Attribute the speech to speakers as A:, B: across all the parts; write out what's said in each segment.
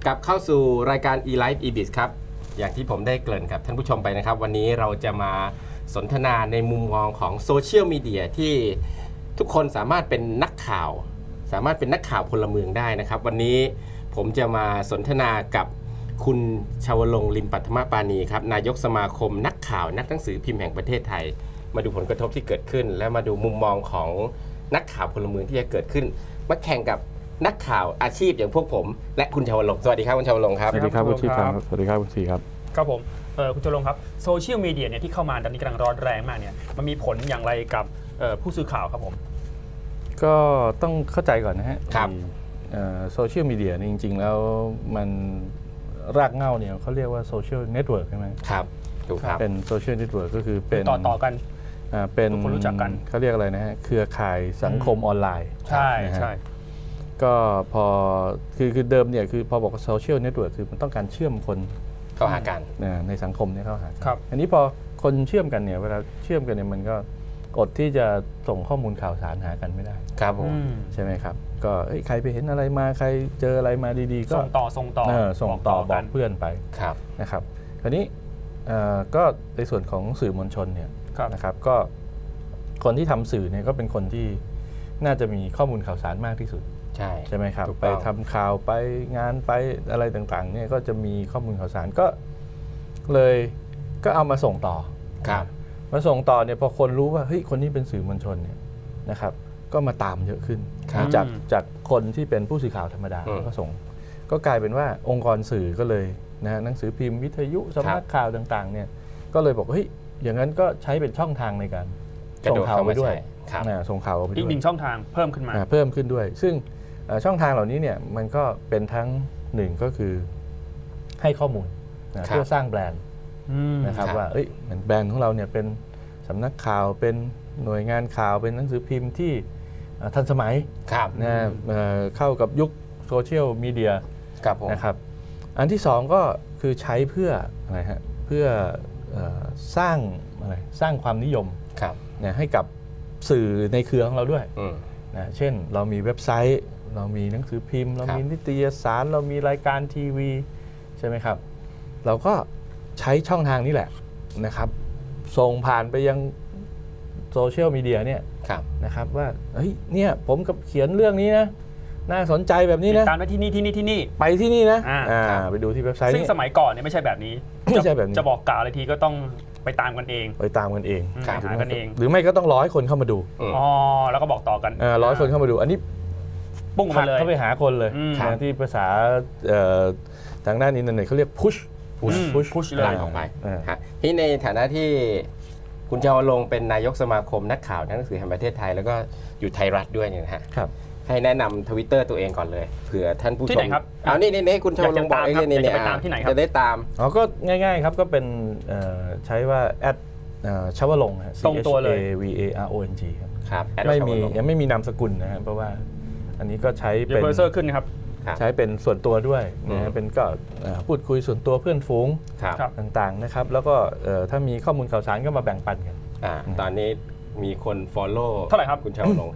A: กลับเข้าสู่รายการ eLife eBiz ครับอย่างที่ผมได้เกริ่นกับท่านผู้ชมไปนะครับวันนี้เราจะมาสนทนาในมุมมองของโซเชียลมีเดียที่ทุกคนสามารถเป็นนักข่าวสามารถเป็นนักข่าวพลเมืองได้นะครับวันนี้ผมจะมาสนทนากับคุณชวลงค์ ลิมปัทมปานีครับนายกสมาคมนักข่าวนักหนังสือพิมพ์แห่งประเทศไทยมาดูผลกระทบที่เกิดขึ้นและมาดูมุมมองของนักข่าวพลเมืองที่จะเกิดขึ้นมาแข่งกับนักข่าวอาชีพอย่างพวกผมและคุณชวลงค์สวัสดีครับคุณชวลงค์ครับ
B: สวัสดีครับคุณชีพครับสวัสดีครับคุณสีครับ
C: ครับผมคุณชวลงค์ครับโซเชียลมีเดียเนี่ยที่เข้ามาตอนนี้กำลังร้อนแรงมากเนี่ยมันมีผลอย่างไรกับผู้สื่อข่าวครับผม
B: ก็ต้องเข้าใจก่อนนะฮะ
A: ครับ
B: โซเชียลมีเดียจริงๆแล้วมันรากเหง้าเนี่ยเขาเรียกว่าโซเชียลเน็ตเวิร์กใช่ไหม
A: ครับถูกครับ
B: เป็นโซเชียลเน็ตเวิร์กก็คือเป็น
C: ต่อกัน
B: เป็น
C: ทุกคนรู้จักกัน
B: เขาเรียกอะไรนะฮะเครือข่ายสังคมออนไลน์
C: ใช่
B: นะฮะ
C: ใช่
B: ก็พอคือเดิมเนี่ยคือพอบอกว่าโซเชียลเน็ตเวิร์กคือมันต้องการเชื่อมคน
A: เข้าหากัน
B: ในสังคมเนี่ยเข้าหากัน
C: ครับ
B: อันนี้พอคนเชื่อมกันเนี่ยเวลาเชื่อมกันเนี่ยมันก็อดที่จะส่งข้อมูลข่าวสารหากันไม่ได้
A: ครับผม
B: ใช่ไหมครับก็ใครไปเห็นอะไรมาใครเจออะไรมาดีๆก็
C: ส่งต่อส่งต่อ
B: บอก
C: กัน
B: เพื่อนไป
A: ครับ
B: นะครับคราวนี้ก็ในส่วนของสื่อมวลชนเนี่ย
C: ครับ
B: นะครับก็คนที่ทำสื่อเนี่ยก็เป็นคนที่น่าจะมีข้อมูลข่าวสารมากที่สุด
A: ใช่
B: ไหมครับ
A: ถูก
B: ไป
A: ต้อง
B: ทำข่าวไปงานไปอะไรต่างๆเนี่ยก็จะมีข้อมูลข่าวสารก็เลยก็เอามาส่งต่อ
A: ครับ
B: มาส่งต่อเนี่ยพอคนรู้ว่าเฮ้ยคนนี้เป็นสื่อมวลชนเนี่ยนะครับก็มาตามเยอะขึ้น
A: ครับ
B: จากคนที่เป็นผู้สื่อข่าวธรรมดา ก็ส่งก็กลายเป็นว่าองค์กรสื่อก็เลยนะหนังสือพิมพ์วิทยุสำนักข่าวต่างๆเนี่ยก็เลยบอกเฮ้ยอย่างนั้นก็ใช้เป็นช่องทางในการส่งข่าวไปด้วย
A: ครับ
B: ส่งข่าวไปด้วย
C: อีกหนึ่งช่องทางเพิ่มขึ้นมา
B: เพิ่มขึ้นด้วย ซึ่งช่องทางเหล่านี้เนี่ยมันก็เป็นทั้งหนึ่งก็คือให้ข้อมูลนะเพื่อสร้างแบรนด์นะครับ
A: ครับ
B: ว่าเหมือนแบรนด์ของเราเนี่ยเป็นสำนักข่าวเป็นหน่วยงานข่าวเป็นหนังสือพิมพ์ที่ทันสมัย
A: ครับ
B: นะเข้ากับยุคโซเชียลมีเดีย
A: ครับผม
B: นะครับอันที่สองก็คือใช้เพื่ออะไรฮะเพื่อสร้างอะไรสร้างความนิยม
A: ครับ
B: นะให้กับสื่อในเครือของเราด้วย
A: อืม
B: นะเช่นเรามีเว็บไซต์ เรามีหนังสือพิมพ์ เรามีนิตยสารเรามีรายการทีวีใช่ไหมครับเราก็ใช้ช่องทางนี้แหละนะครับส่งผ่านไปยังโซเชียลมีเดียเนี่ย
A: ครับ
B: นะครับว่าเฮ้ยเนี่ยผมกับเขียนเรื่องนี้นะน่าสนใจแบบนี้นะ
C: การไปที่นี่
B: ไปที่นี่นะ
A: ครับ
B: ไปดูที่เว็บไซต์
C: ซึ่ง
B: นี้
C: สมัยก่อนเนี่ยไม่ใช่แบบนี้
B: ไม่ใช่แบบนี้
C: จะบอกกล่าวอะไรทีก็ต้องไปตามกันเอง
B: ไปตามกันเอง
C: ไปหากันเอง
B: หรือไม่ก็ต้องรอให้คนเข้ามาดู
C: อ๋อแล้วก็บอกต่อกัน
B: รอให้คนเข้ามาดูอันนี้
C: ปุ้ง
B: ผลั
C: มาก เลย
B: เข้าไปหาคนเลย
C: ครับ
B: นะที่ภาษาทางด้านอินเทอร์เน็ตเขาเรียก push
C: พุชเลย
A: ดันออกไป
B: อ่า
A: ฮะที่ในฐานะที่คุณชวลงค์เป็นนายกสมาคมนักข่าวนักหนังสือแห่งประเทศไทยแล้วก็อยู่ไทยรัฐด้วยเนี่ยนะฮะ
B: ครับ
A: ให้แนะนำ Twitter ตัวเองก่อนเลยเผื่อท่านผู้ชม
C: ที่ไหนครับ
A: เอานี่คุณชวลงค์บอกเอง
C: อยากจะ
A: นี่
C: ไปตามที่ไหนครับ
A: จะได้ตาม
B: ก็ง่ายๆครับก็เป็นใช้ว่าชวลงค์
C: ตรงตัวเลย
B: CHAVARONG ครับ
A: ครับแอด
B: ไม่มี
A: ชวลงค์
B: ยังไม่มีนามสกุลนะครับเพราะว่าอันนี้ก็ใช้
C: เดี๋ย
B: เป็
C: วน เบอร์เซอร์ขึ้นนะครับ
A: ครับ
B: ใช้เป็นส่วนตัวด้วยนะฮะเป็นก็พูดคุยส่วนตัวเพื่อนฝูง
A: ครับ
C: ครับ
B: ต่างๆนะครับแล้วก็ถ้ามีข้อมูลข่าวสารก็มาแบ่งปันกัน
A: ตอนนี้มีคน follow
C: เท่าไหร่ครับ
A: คุณชวลงค์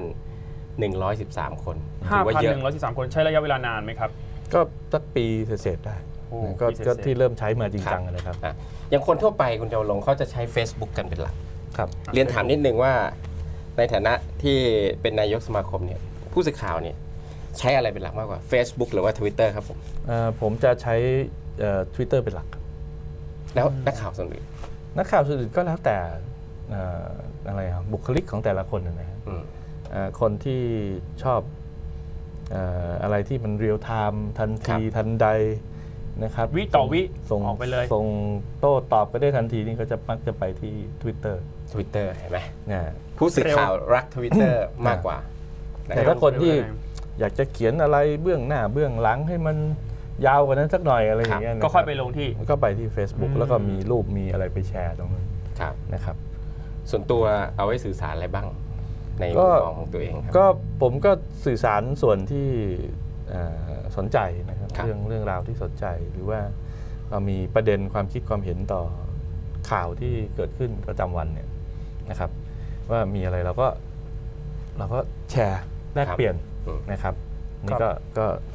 A: 5,113 คนถือว่าเยอะ
C: 5,113 คนใช้ระยะเวลานานไหมครับ
B: ก็สักปีเศษๆได้
C: โอ้
B: นะก็
C: ปีเศษๆ
B: ก็ที่เริ่มใช้มาจริงจังนะครับ
A: อย่างคนทั่วไปคุณชวลงค์เขาจะใช้ Facebook กันเป็นหลัก
B: ครับ
A: เรียนถามนิดนึงว่าในฐานะที่เป็นนายกสมาคมเนี่ยผู้สื่อข่าวเนี่ยใช้อะไรเป็นหลักมากกว่า Facebook หรือว่า Twitter ครับผม
B: ผมจะใช้Twitter เป็นหลักครับ
A: แล้วนักข่าวส่วนอื่น
B: นักข่าวสื่ออื่นก็แล้วแต่อะไรครับบุคลิกของแต่ละคนนะครับ
A: อืม
B: คนที่ชอบอะไรที่มันเรียลไทม์ทันทีทันใดนะครับ
C: วิต่อวิ
B: ส่ง
C: ออกไปเลย
B: ส่งโต้ตอบก็ได้ทันทีนี่ก็จะมักจะไปที่ Twitter
A: Twitter เห็นไหม
B: นะ
A: ผู้สื่อข่าวรัก Twitter มากกว่า
B: แต่ถ้าคนที่อยากจะเขียนอะไรเบื้องหน้าเบื้องหลังให้มันยาวกว่านั้นสักหน่อยอะไรอย่างเงี้ยนะ
C: ก็ค่อยไปลงที่
B: ก็ไปที่ Facebook แล้วก็มีรูปมีอะไรไปแชร์ตรงนั้น
A: ครับ
B: นะครับ
A: ส่วนตัวเอาไว้สื่อสารอะไรบ้าง ใน
B: ก็
A: มุมมองของตัวเองครับ
B: ก็ผมก็สื่อสารส่วนที่สนใจนะครับ
A: ครับ
B: เรื่องราวที่สนใจหรือว่าเรามีประเด็นความคิดความเห็นต่อข่าวที่เกิดขึ้นประจำวันเนี่ยนะครับ ว่ามีอะไรเราก็แชร์แลกเปลี่ยนนะครับนี่ก็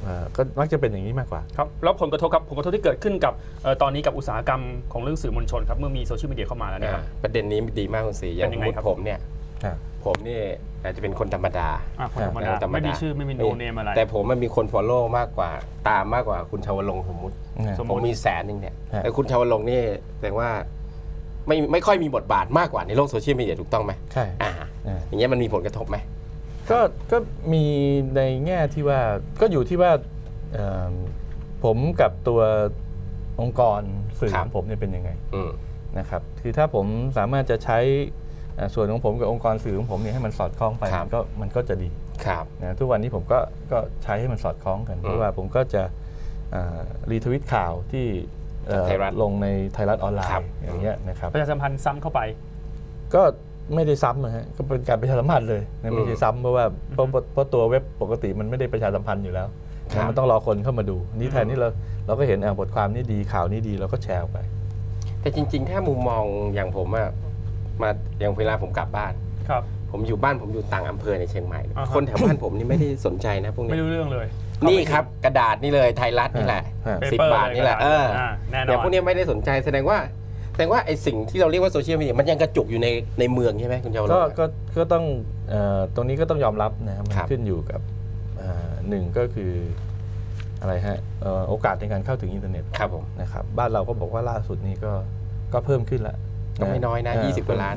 B: ก็มักจะเป็นอย่างนี้มากกว่า
C: ครับแล้วผลกระทบครับผลกระทบที่เกิดขึ้นกับตอนนี้กับอุตสาหกรรมของเรื่องสื่อมวลชนครับเมื่อมีโซเชียลมีเดียเข้ามาแล้วเนี่ยครับ
A: ประเด็นนี้ดีมากคุณศรีอย่าง
C: เป็นยัง
A: สม
C: ไง
A: มติ
C: ครับ
A: ผมเนี่ย ผมนี่อาจจะเป็นคนธรรมดา
C: คนธรรมดาไม่มีชื่อไม่มีโนเนมอะไร
A: แต่ผมมันมีคน follow มากกว่าตามมากกว่าคุณชาวลงค์สมมติ
C: สม
A: ผม
C: ติ
A: มี100,000เนี่ย
B: ฮะ
A: แต่คุณชาวลงค์นี่แสดงว่าไม่ค่อยมีบทบาทมากกว่าในโลกโซเชียลมีเดียถูกต้องไหม
B: ใช่
A: อย่างเงี้ยมันมีผลกระทบไหม
B: ก็มีในแง่ที่ว่าก็อยู่ที่ว่าเอ่อผมกับตัวองค์กรสื่อของผมเนี่ยเป็นยังไง
A: อืม
B: นะครับคือถ้าผมสามารถจะใช้ส่วนของผมกับองค์กรสื่อของผมเนี่ยให้มันสอดคล้องไปมันก็จะดี
A: ครับ
B: นะทุกวันนี้ผมก็ใช้ให้มันสอดคล้องกันเพราะว่าผมก็จะรีทวิตข่าวที่ลงในไทยรัฐออนไลน์อย่างเงี้ยนะครับ
C: ประชาสัมพันธ์ซ้ำเข้าไป
B: ก็ไม่ได้ซ้ำนะฮะก็เป็นการประชาสัมพันธ์เลยนะไม่ใช่ซ้ำเพราะว่าเพราะตัวเว็บปกติมันไม่ได้ประชาสัมพันธ์อยู่แล้วนะมันต้องรอคนเข้ามาดูนี่แทนที่เราก็เห็นบทความนี้ดีข่าวนี้ดีเราก็แชร์ออกไป
A: แต่จริงๆ ถ้ามุมมองอย่างผมอะมาอย่างเวลาผมกลับบ้าน
C: ครับ
A: ผมอยู่บ้านผมอยู่ต่างอำเภอในเชียงใหม่
C: อ่าฮะ
A: คนแถวบ้านผมนี่ไม่ได้สนใจนะพวก
C: ไม่
A: นี้
C: รู้เรื่องเลย
A: นี่ครับกระดาษนี่เลยไทยรัฐนี่แหละ 10 บาทนี่แหละ
C: แน่น
A: อย่าง
C: อ
A: พวน กนี้ไม่ได้สนใจแสดงว่าไอ้สิ่งที่เราเรียกว่าโซเชียลมีเดียมันยังกระจุกอยู่ในเมืองใช่ไหมคุณเจ้าลงค์
B: ก็ต้องตรงนี้ก็ต้องยอมรับนะครับมัน
A: ครับ
B: ขึ้นอยู่กับหนึ่งก็คืออะไรฮะโอกาสในการเข้าถึงอินเทอร์เน็ต
A: ครับผม
B: นะครับบ้านเราก็บอกว่าล่าสุดนี้ก็เพิ่มขึ้นแล้ว
A: ก็ไม่น้อยนะ20 กว่าล้าน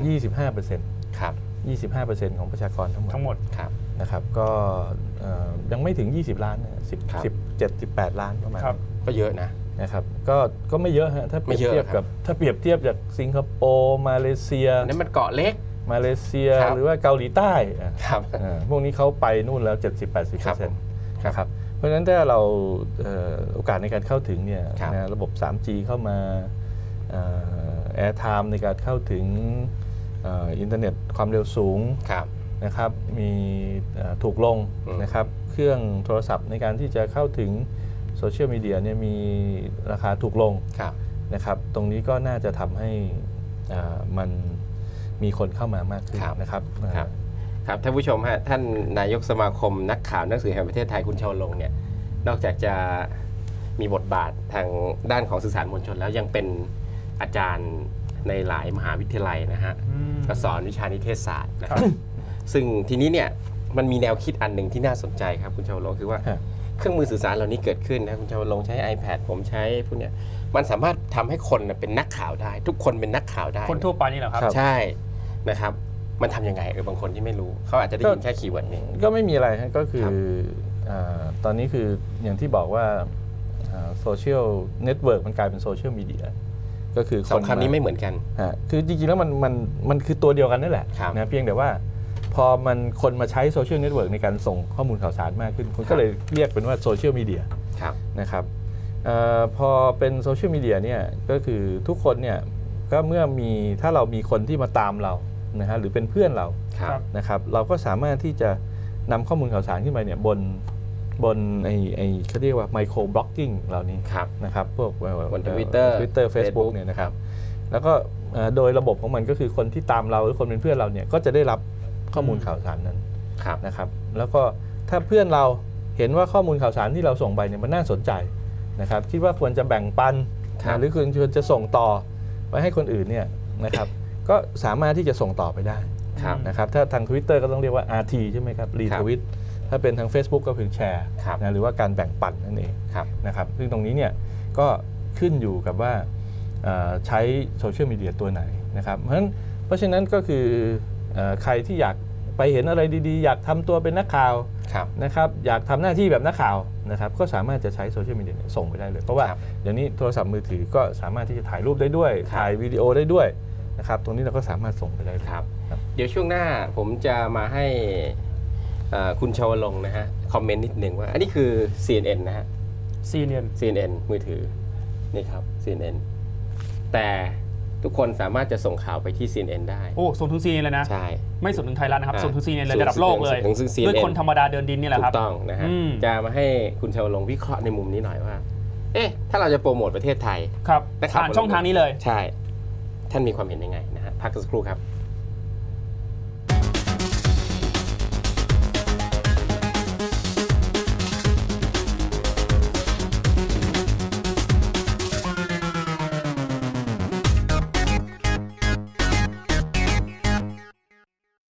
B: 25%
A: ครับ
B: 25% ของประชากรทั้งหมด
A: ครับ
B: นะครับก็ยังไม่ถึง 20 ล้านนะ
A: ครับ
B: 17-18 ล้านประมาณ
C: ครับ
A: ก็เยอะนะ
B: นะครับก็ไม่เยอะฮะถ้าเปรียบ
A: ไม่เยอะ
B: เทียบ
A: ครั
B: กับบ ถ้าเปรียบเทียบจากสิงคโปร์มาเลเซีย
A: นั่นมันเกาะเล็ก ครับ
B: หรือว่าเกาหลีใต้
A: ครับ
B: พวกนี้เขาไปนู่นแล้ว
A: ครับผม
B: 70-80%นะครับเพราะฉะนั้นถ้าเราโอกาสในการเข้าถึงเนี่ย
A: ครับ
B: นะระบบ 3G เข้ามาแอร์ไทม์ในการเข้าถึงอินเทอร์เน็ตความเร็วสูง
A: ครับ
B: นะครับมีถูกลง
A: อืม
B: นะครับเครื่องโทรศัพท์ในการที่จะเข้าถึงโซเชียลมีเดียเนี่ยมีราคาถูกลง
A: ครับ
B: นะครับตรงนี้ก็น่าจะทำให้มันมีคนเข้ามามากขึ้น
A: ครับ
B: นะครับ
A: ครับครับท่านผู้ชมฮะท่านนายกสมาคมนักข่าวหนังสือแห่งประเทศไทยคุณชาวลงค์เนี่ยนอกจากจะมีบทบาททางด้านของสื่อสารมวลชน แล้วยังเป็นอาจารย์ในหลายมหาวิทยาลัยนะฮะก็สอนวิชานิเทศศาสตร์นะครับ ซึ่งทีนี้เนี่ยมันมีแนวคิดอันหนึ่งที่น่าสนใจครับคุณชาวลงค์คือว่า
B: ฮะ
A: เครื่องมือสื่อสารเหล่านี้เกิดขึ้นนะคุณชาวลงค์ใช้ iPad ผมใช้พวกเนี้ยมันสามารถทำให้คนน่ะเป็นนักข่าวได้ ทุกคนเป็นนักข่าวได้
C: คนทั่วไปนี่แหละครับ
B: ครับ
A: ใช่นะครับมันทำยังไงบางคนที่ไม่รู้เขาอาจจะได้ยินแค่คีย์เวิร์ดนี้
B: ก็ไม่มีอะไรฮะก็คือ
A: ครับ
B: ตอนนี้คืออย่างที่บอกว่าโซเชียลเน็ตเวิร์กมันกลายเป็นโซเชียลมีเดียก็คือ
A: สองคำนี้ไม่เหมือนกัน
B: คือจริงๆแล้วมันคือตัวเดียวกันนั่นแหละ
A: ครับ
B: นะเพียงแต่ว่าพอมันคนมาใช้โซเชียลเน็ตเวิร์กในการส่งข้อมูลข่าวสารมากขึ้นคนก็เลยเรียกเป็นว่าโซเชียลมีเดีย
A: ครับ
B: นะครับพอเป็นโซเชียลมีเดียเนี่ยก็คือทุกคนเนี่ยก็เมื่อมีถ้าเรามีคนที่มาตามเรานะฮะหรือเป็นเพื่อนเรา
A: ครับ
B: นะครับเราก็สามารถที่จะนำข้อมูลข่าวสารขึ้นไปเนี่ยบนไอเขาเรียกว่าไมโครบล็อกกิ้งเหล่านี้
A: ครับ
B: นะครับพวก
A: บน Twitter
B: Facebook
A: Facebook
B: เนี่ยนะครับแล้วก็โดยระบบของมันก็คือคนที่ตามเราหรือคนเป็นเพื่อนเราเนี่ยก็จะได้รับข้อมูลข่าวสารนั้น
A: ครับ
B: นะครับแล้วก็ถ้าเพื่อนเราเห็นว่าข้อมูลข่าวสารที่เราส่งไปเนี่ยมันน่าสนใจนะครับคิดว่าควรจะแบ่งปัน
A: ครับ
B: หรือควรจะส่งต่อไปให้คนอื่นเนี่ยนะครับก็สามารถที่จะส่งต่อไปได้
A: ครับ
B: นะครับถ้าทาง Twitter ก็ต้องเรียกว่า RT ใช่ไหมครับรีทวิตถ้าเป็นทาง Facebook ก็คือแชร์
A: ครับ
B: นะหรือว่าการแบ่งปันนั่นเอง
A: ครับ
B: นะครับซึ่งตรงนี้เนี่ยก็ขึ้นอยู่กับว่าใช้โซเชียลมีเดียตัวไหนนะครับเพราะฉะนั้นก็คือใครที่อยากไปเห็นอะไรดีๆ อยากทำตัวเป็นนักข่าว
A: ครับ
B: นะครับอยากทำหน้าที่แบบนักข่าวนะครับก็สามารถจะใช้โซเชียลมีเดียส่งไปได้เลย เพราะว่า
A: ครับ
B: เดี๋ยวนี้โทรศัพท์มือถือก็สามารถที่จะถ่ายรูปได้ด้วย
A: ครับ
B: ถ่ายวิดีโอได้ด้วยนะครับตรงนี้เราก็สามารถส่งไปได้เลย
A: ครับ เดี๋ยวช่วงหน้าผมจะมาให้คุณชาวลงค์นะฮะคอมเมนต์นิดหนึ่งว่า อันนี้คือ CNN นะฮะ
C: CNN
A: CNN มือถือนี่ครับ CNN แต่ทุกคนสามารถจะส่งข่าวไปที่ CNN ได้
C: โอ้ส่งถึง CNN เลยนะ
A: ใช่
C: ไม่ส่งถึงไทยรัฐนะครับ
A: อ่า
C: ส่งถึง CNN เลย
A: ส่ง
C: ระดับโลกเลย
A: ถึง CNN
C: ด้วยคนธรรมดาเดินดินนี่แหละ
A: ถู
C: ครับ
A: กต้องนะฮะ
C: อืม
A: จะมาให้คุณชาวลงค์วิเคราะห์ในมุมนี้หน่อยว่า เอ๊ะถ้าเราจะโปรโมทประเทศไทย
C: ครับ
A: นะครับ
C: ผ่านช่องทางนี้เลย
A: ใช่ ท่านมีความเห็นยังไงนะฮะพักสักครู่ครับ